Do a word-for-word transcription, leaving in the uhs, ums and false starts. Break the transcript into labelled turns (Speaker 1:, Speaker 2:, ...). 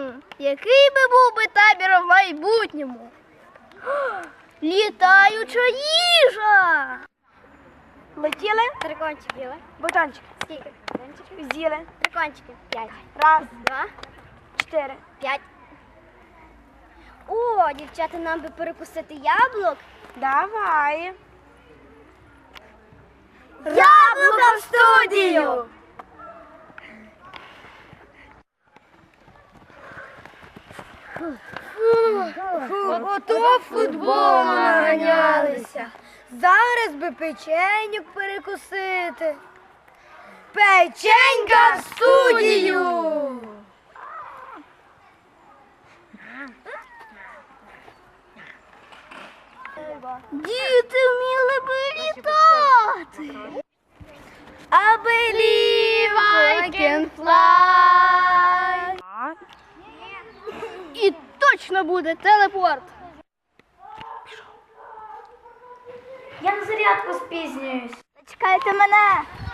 Speaker 1: Хм, який би був би табір в майбутньому? Літаюча їжа!
Speaker 2: Летіли,
Speaker 3: Трикончик їли.
Speaker 2: бутончик,
Speaker 3: Скільки? Трикончиків?
Speaker 2: з'їли.
Speaker 3: Трикончики. П'ять.
Speaker 2: Раз,
Speaker 3: Два.
Speaker 2: чотири.
Speaker 3: П'ять. О, дівчата, нам би перекусити яблук.
Speaker 2: Давай.
Speaker 1: Яблука в студію! Ото футболу наганялися. Зараз би печеньок перекусити. Печенька в студію! Діти вміли би літати. I believe I can fly. І точно буде телепорт.
Speaker 2: Я на зарядку спізнююсь.
Speaker 1: Чекайте мене.